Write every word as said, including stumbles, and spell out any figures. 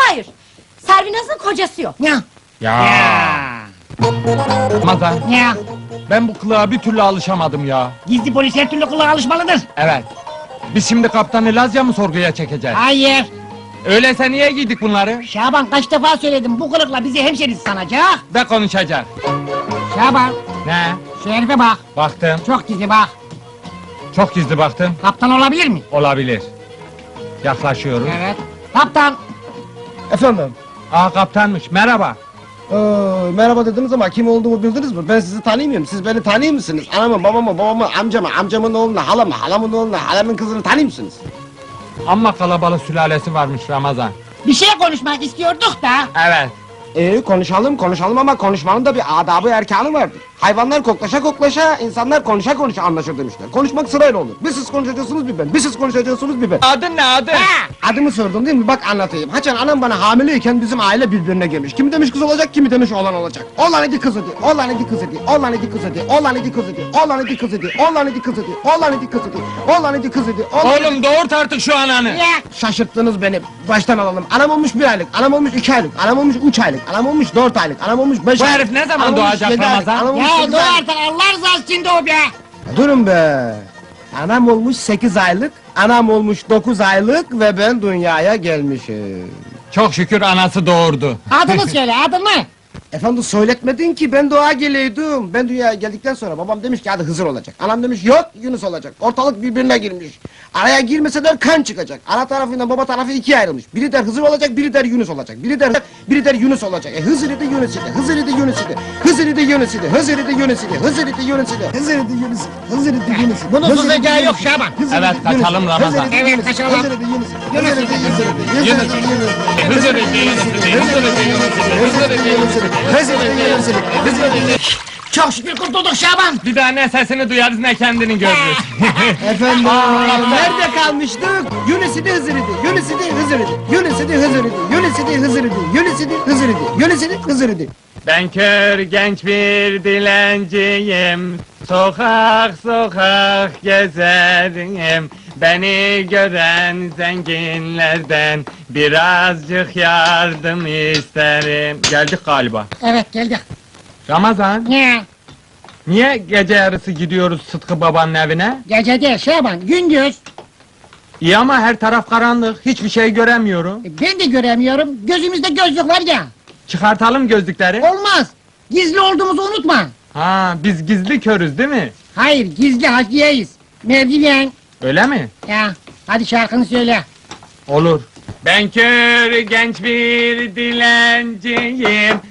Hayır, Servinaz'ın kocası yok. Ya. Ya. Ramazan, Ya. ben bu kılığa bir türlü alışamadım ya. Gizli polis her türlü kılığa alışmalıdır. Evet. Biz şimdi kaptanı Lazya mı sorguya çekeceğiz? Hayır. Öyleyse niye giydik bunları? Şaban kaç defa söyledim bu kılıkla bizi hemşeriz sanacak. Ve konuşacak. Şaban Ne? şu herife bak. Baktım. Çok gizli bak. Çok gizli baktım. Kaptan olabilir mi? Olabilir. Yaklaşıyoruz. Evet. Kaptan. Efendim? Aa, kaptanmış. Merhaba. Ee, merhaba dediniz ama kim olduğumu bildiniz mi? Ben sizi tanımıyorum. Siz beni tanıyor musunuz? Anamı, babamı, babamı, amcamı, amcamın oğlunu, halamı, halamın oğlunu, halamın kızını tanıyor musunuz? Amma kalabalık sülalesi varmış Ramazan. Bir şey konuşmak istiyorduk da. Evet. Ee, konuşalım, konuşalım ama konuşmanın da bir adabı erkanı vardır. Hayvanlar koklaşa koklaşa, insanlar konuşa konuşa anlaşır demişler. Konuşmak sırayla olur. Bir siz konuşacaksınız bir ben, bir siz konuşacaksınız bir ben. Adın ne adın? Ha. Adımı sordun değil mi? Bak anlatayım. Haçan anam bana hamileyken bizim aile birbirine girmiş. Kimi demiş kız olacak, kimi demiş oğlan olacak. Oğlan idi kız idi, oğlan idi kız idi, oğlan idi kız idi, oğlan idi kız idi, oğlan idi kız idi, oğlan idi kız idi, oğlan idi kız idi, oğlan idi kız idi, oğlan idi. Oğlum doğurt artık şu ananı. Ya. Şaşırttınız beni. Baştan alalım. Anam olmuş bir aylık, anam olmuş iki aylık, anam olmuş üç aylık, anam olmuş dört aylık, anam olmuş beş Bu aylık. herif ne zaman anam olmuş doğacak yedi aylık, Ramazan? anam olmuş Ya sekiz dur aylık. artık Allah rızası için de o be. Durun be. Anam olmuş sekiz aylık, anam olmuş dokuz aylık ve ben dünyaya gelmişim. Çok şükür anası doğurdu. Adını söyle adını. Efendim söyletmedin ki ben doğa geleydim. Ben dünyaya geldikten sonra babam demiş ki hadi Hızır olacak. Anam demiş yok Yunus olacak. Ortalık birbirine girmiş. Araya girmeseler kan çıkacak. Ana tarafıyla baba tarafı ikiye ayrılmış. Biri der Hızır olacak, biri der Yunus olacak. Biri der biri der Yunus olacak. E Hızır idi Yunus idi. Hızır idi Yunus idi. Hızır idi Yunus idi. Hızır idi Yunus idi. Hızır idi Yunus idi. Hızır idi Yunus idi. Hızır idi Yunus idi. Bunun Hızır idi suzacağı Yunus yok idi. Şaban. Hızır Evet, idi Yunus idi. kaçalım Ramazan. Hızır idi Evet, Yunus idi. kaçalım. Hızır idi Yunus idi. Hızır idi Yunus idi. Hızır Yunus idi idi. Yunus idi. Hızır idi, Yunus idi, Hızır idi, Yunus idi, Hızır idi, Yunus idi, Hızır idi, Yunus idi, Hızır idi. Çok şükür kurtulduk Şaban. Bir daha ne sesini duyarız ne kendini görürüz. Efendim, nerede kalmıştık? Yunus idi Hızır idi, Yunus idi Hızır idi, Yunus idi Hızır idi, Yunus idi Hızır idi, Yunus idi Hızır idi, Yunus idi Hızır idi. Ben kör genç bir dilenciyim, sokak sokak gezerim. Beni gören zenginlerden birazcık yardım isterim. Geldik galiba. Evet geldik. Ramazan, Ne? niye gece yarısı gidiyoruz Sıtkı babanın evine? Gece değil Şaban gündüz. İyi ama her taraf karanlık, hiçbir şey göremiyorum. E, Ben de göremiyorum. Gözümüzde gözlük var ya. Çıkartalım gözlükleri. Olmaz. Gizli olduğumuzu unutma. Ha, biz gizli körüz değil mi? Hayır gizli hakiyeyiz. Mevdiyen. Öyle mi? Ya hadi şarkını söyle. Olur. Ben kör genç bir dilenciyim,